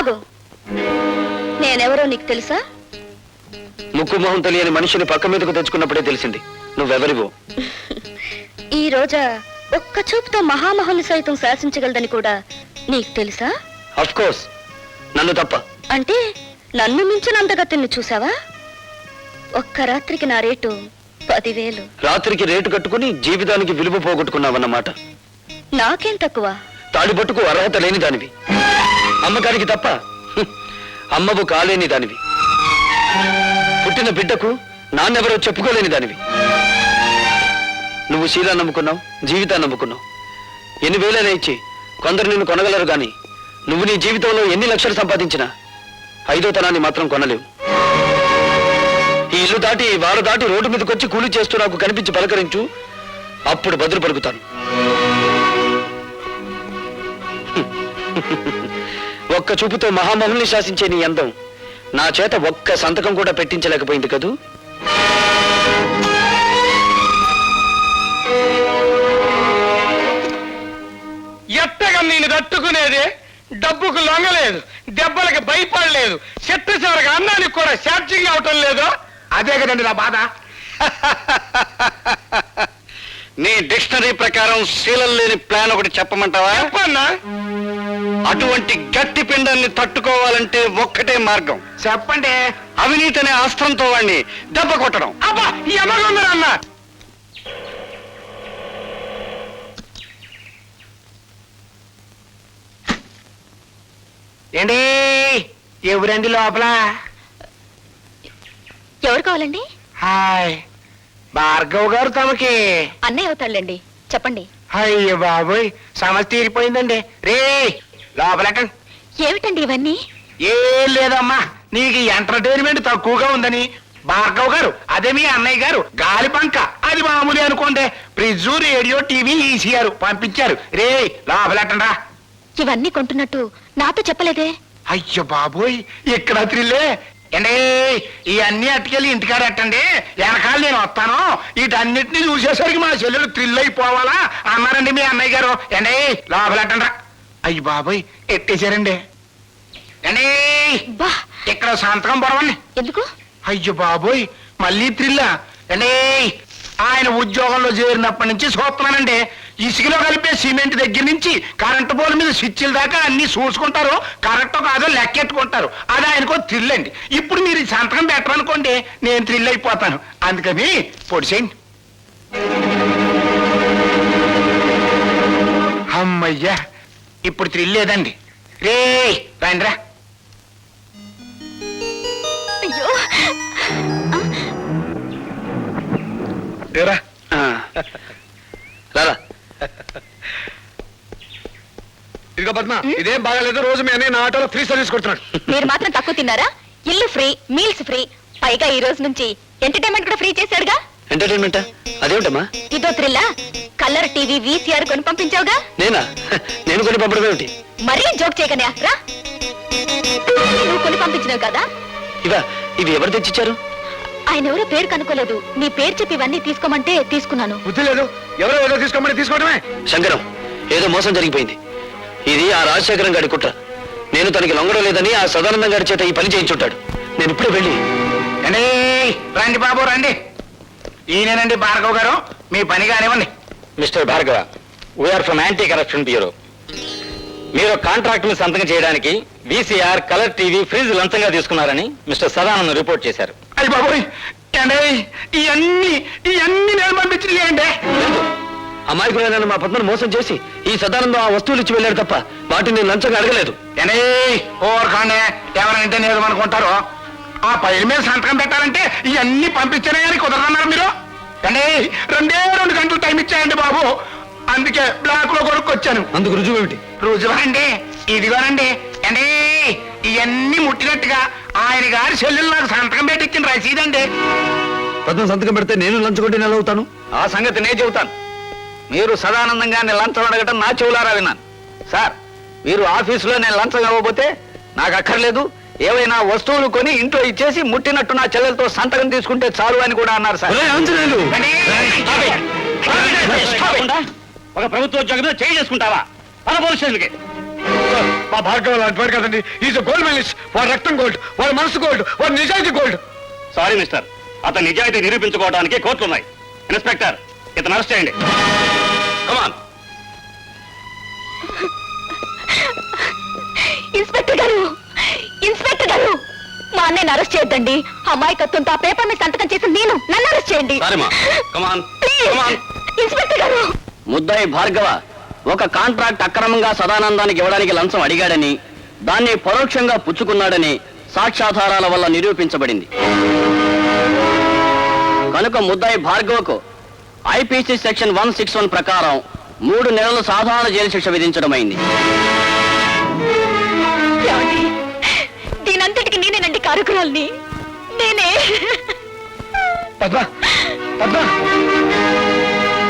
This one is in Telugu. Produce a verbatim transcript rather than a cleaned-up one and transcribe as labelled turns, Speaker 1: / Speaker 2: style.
Speaker 1: ఆగు. నేనెవరో నీకు తెలుసా?
Speaker 2: ముక్కు మొహం తెలియని మనిషిని పక్క మీదకు తెచ్చుకున్నప్పుడే తెలిసింది నువ్వెవరివో.
Speaker 1: ఈ రోజా ఒక్క చూపుతో మహామహుని సైతం శాసించగలదని కూడా నీకు తెలుసా?
Speaker 2: అఫ్ కోర్స్, నన్ను తప్ప.
Speaker 1: అంటే నన్ను మించిన అందగతిని చూసావా? ఒక్క రాత్రికి నా రేటు పదివేలు.
Speaker 2: రాత్రికి రేటు కట్టుకుని జీవితానికి విలువ పోగొట్టుకున్నావన్నమాట.
Speaker 1: నాకేం తక్కువ?
Speaker 2: తాడిబట్టుకు అర్హత లేని దానివి, అమ్మకానికి తప్ప అమ్మవు కాలేని దానివి, పుట్టిన బిడ్డకు నాన్నెవరో చెప్పుకోలేని దానివి. నువ్వు శీలా నమ్ముకున్నావు, జీవితాన్ని నమ్ముకున్నావు. ఎన్ని వేలైనా ఇచ్చి కొందరు నిన్ను కొనగలరు గాని నువ్వు నీ జీవితంలో ఎన్ని లక్షలు సంపాదించినా ఐదో తనాన్ని మాత్రం కొనలేవు. ఈ ఇల్లు దాటి వారు దాటి రోడ్డు మీదకి వచ్చి కూలి చేస్తూ నాకు కనిపించి పలకరించు, అప్పుడు బదులు పలుకుతాను. ఒక్క చూపుతో మహామహుల్ని శాసించే నీ అందం నా చేత ఒక్క సంతకం కూడా పెట్టించలేకపోయింది కదూ.
Speaker 3: ఎట్టగా నేను తట్టుకునేది, డబ్బుకు లొంగలేదు, దెబ్బలకి భయపడలేదు, చెట్టు చివరికి అన్నానికి కూడా ఛార్జింగ్ అవటం లేదు. అదే కదండి నా బాధ.
Speaker 2: నీ డిక్షనరీ ప్రకారం శీలం లేని ప్లాన్ ఒకటి చెప్పమంటావా?
Speaker 3: చెప్పన్నా.
Speaker 2: అటువంటి గట్టి పిండాన్ని తట్టుకోవాలంటే ఒక్కటే మార్గం.
Speaker 3: చెప్పండి.
Speaker 2: అవినీతి అనే అస్త్రంతో వాడిని దెబ్బ కొట్టడం.
Speaker 3: అబ్బా ఎమగుందరన్నా. ఏంటి ఎవరండి లోపల?
Speaker 1: ఎవరు కావాలండి?
Speaker 3: హాయ్, భార్గవ్ గారు తమకి
Speaker 1: అన్నయ్య అవుతాళ్ళండి. చెప్పండి.
Speaker 3: అయ్యో బాబోయ్, సమస్య తీరిపోయిందండి. రే లోపలటండి.
Speaker 1: ఏమిటండి ఇవన్నీ?
Speaker 3: ఏం లేదమ్మా, నీకు ఎంటర్టైన్మెంట్ తక్కువగా ఉందని భార్గవ్ గారు, అదే మీ అన్నయ్య గారు గాలి పంక, అది మామూలు అనుకోండి, ఫ్రిడ్జ్, రేడియో, టీవీ ఈసీఆర్ పంపించారు. రే లోపలటండా.
Speaker 1: ఇవన్నీ కొంటున్నట్టు నాతో చెప్పలేదే?
Speaker 3: అయ్యో బాబోయ్, ఇక్కడ త్రిల్లే. అండి ఇవన్నీ అట్టుకెళ్ళి ఇంటికాడ ఎట్టండి, వెనకాల నేను వస్తాను, వీటన్నిటిని చూసేసరికి మా చెల్లెలు థ్రిల్ అయిపోవాలా అన్నారండి మీ అన్నయ్య గారు. అండి లోపలెట్టండ్రా. అయ్యి బాబోయ్ ఎట్టేశారండి. అండి ఇక్కడ సంతకం పొడవండి.
Speaker 1: ఎందుకు?
Speaker 3: అయ్యో బాబోయ్ మళ్ళీ థ్రిల్లా. అండి ఆయన ఉద్యోగంలో చేరినప్పటి నుంచి చూస్తున్నానండి, ఇసుకలో కలిపే సిమెంట్ దగ్గర నుంచి కరెంటు పోల్ మీద స్విచ్ల దాకా అన్ని చూసుకుంటారు, కరెక్టో కాదో లెక్కెట్టుకుంటారు. అది ఆయనకో థ్రిల్ అండి. ఇప్పుడు మీరు సంతకం పెట్టరనుకోండి, నేను థ్రిల్ అయిపోతాను. అందుకని పొడిసేయండి. అమ్మయ్యా, ఇప్పుడు థ్రిల్ లేదండి. రే రండిరా.
Speaker 1: అయ్యో
Speaker 3: రా
Speaker 2: రారా.
Speaker 3: ఇదిగో పద్మ, ఇదేం బాగాలేదు. రోజు మీ అన్నయ్య నా ఆటోలో ఫ్రీ సర్వీస్ కొడుతున్నాడు.
Speaker 1: మీరు మాత్రం తక్కువ తిన్నారా? ఇల్లు ఫ్రీ, మీల్స్ ఫ్రీ, పైగా ఈ రోజు నుంచి ఎంటర్టైన్మెంట్ కూడా ఫ్రీ చేశాడుగా.
Speaker 2: ఎంటర్టైన్మెంటా? అదేమిటమ్మా?
Speaker 1: ఇదో థ్రిల్లా. కలర్ టీవీ, వీసీఆర్ కొని పంపించావుగా.
Speaker 2: నేనా? నేను కొని పంపడం ఏమిటి?
Speaker 1: మరీ జోక్ చేయకనే రా. నువ్వు కొని పంపించినావు కదా.
Speaker 2: ఇవా? ఇవి ఎవరు తెచ్చిచ్చారు?
Speaker 1: ఆయన ఎవరో పేరు కనుక్కోలేదు, నీ పేరు చెప్పి ఇవన్నీ తీసుకోమంటే తీసుకున్నాను.
Speaker 3: బుద్ధి లేదు, ఎవరో ఏదో తీసుకోమని తీసుకోవడమే.
Speaker 2: శంకరం, ఏదో మోసం జరిగిపోయింది. ఇది ఆ రాజశేఖరం గారి కుట్ర. నేను తనకి లొంగడం లేదని ఆ సదానందం గారి చేత ఈ పని చేయించుంటాడు. నేను ఇప్పుడే వెళ్ళి.
Speaker 3: రండి బాబు రండి. ఈయనేనండి భార్గవ్ గారు, మీ పని కానివ్వండి.
Speaker 2: Mr Bhargava, we're from anti corruption bureau. మీరు కాంట్రాక్ట్ ని సంతకం చేయడానికి వీసీఆర్, కలర్ టీవీ, ఫ్రిడ్జ్ లంచంగా తీసుకున్నారని మిస్టర్ సదానందం రిపోర్ట్ చేశారు.
Speaker 3: అయ్యి బాబోయ్, ఏండి ఇవన్నీ ఇవన్నీ నేను పంపించినాయండి.
Speaker 2: అమాయకులైన మా పద్మను మోసం చేసి ఈ సదానందం ఆ వస్తువులు ఇచ్చి వెళ్ళాడు తప్ప వాటిని నేను లంచంగా అడగలేదు.
Speaker 3: ఏండి ఓర్కాండే, ఎవరంటే నేను అనుకుంటారు. ఆ పైల మీద సంతకం పెట్టాలంటే ఇవన్నీ పంపించానే కానీ కుదరన్నారు మీరు. అండి రెండే రెండు గంటలు టైం ఇచ్చాయండి బాబు, అందుకే బ్లాక్ లో కొనుక్కొచ్చాను.
Speaker 2: అందుకు రుజువు ఏమిటి?
Speaker 3: రుజువా అండి, ఇదిగోనండి. అండి ఇవన్నీ ముట్టినట్టుగా ఆయన గారి చెల్లెలు నాకు సంతకం పెట్టి ఇచ్చిన రసీదండి.
Speaker 2: పద్మ సంతకం పెడితే నేను లంచగొట్టి నెల అవుతాను.
Speaker 4: ఆ సంగతి నేను చెబుతాను. మీరు సదానందంగానే లంచం అడగటం నా చెవులారా విన్నాను. సార్, మీరు ఆఫీసులో నేను లంచం ఇవ్వబోతే నాకు అక్కర్లేదు, ఏవైనా వస్తువులు కొని ఇంట్లో ఇచ్చేసి ముట్టినట్టు నా చెల్లెలతో సంతకం తీసుకుంటే చాలు అని కూడా అన్నారు సార్.
Speaker 2: ఒక ప్రభుత్వ ఉద్యోగం మీద చేయి చేసుకుంటావా? పద పోలీస్ స్టేషన్కి.
Speaker 3: మా భార్గవ లాంటి వాడు కదండి. Is gold medallist. వాడు రక్తం గోల్డ్, వాడు మనసు గోల్డ్, వాడు నిజాయితీ గోల్డ్.
Speaker 5: సారీ మిస్టర్, అతని నిజాయితీ నిరూపించుకోవడానికి కోర్టులు ఉన్నాయి. ఇన్స్పెక్టర్, ఇతను అరెస్ట్ చేయండి. కమాన్.
Speaker 1: ఇన్స్పెక్టర్ గారు, ఇన్స్పెక్టర్ గారు, మా అన్నయ్యని అరెస్ట్ చేయొద్దండి. అమాయకత్వంతో ఆ పేపర్ మీద సంతకం చేసి నేను నన్ను అరెస్ట్ చేయండి.
Speaker 5: సారీమా, కమాన్.
Speaker 1: ప్లీజ్.
Speaker 5: కమాన్.
Speaker 1: ఇన్స్పెక్టర్ గారు,
Speaker 2: ముద్దాయి భార్గవ ఒక కాంట్రాక్ట్ అక్రమంగా సదానందానికి ఇవ్వడానికి లంచం అడిగాడని, దాన్ని పరోక్షంగా పుచ్చుకున్నాడని సాక్ష్యాధారాల వల్ల నిరూపించబడింది. కనుక ముద్దాయి భార్గవకు IPC section one six one ప్రకారం మూడు నెలల సాధారణ జైలు శిక్ష విధించడమైంది.
Speaker 1: ఏమండి? దీనంతటికి నేనేనండి కారకురాల్ని. నేనే.
Speaker 3: పద్మ, పద్మ,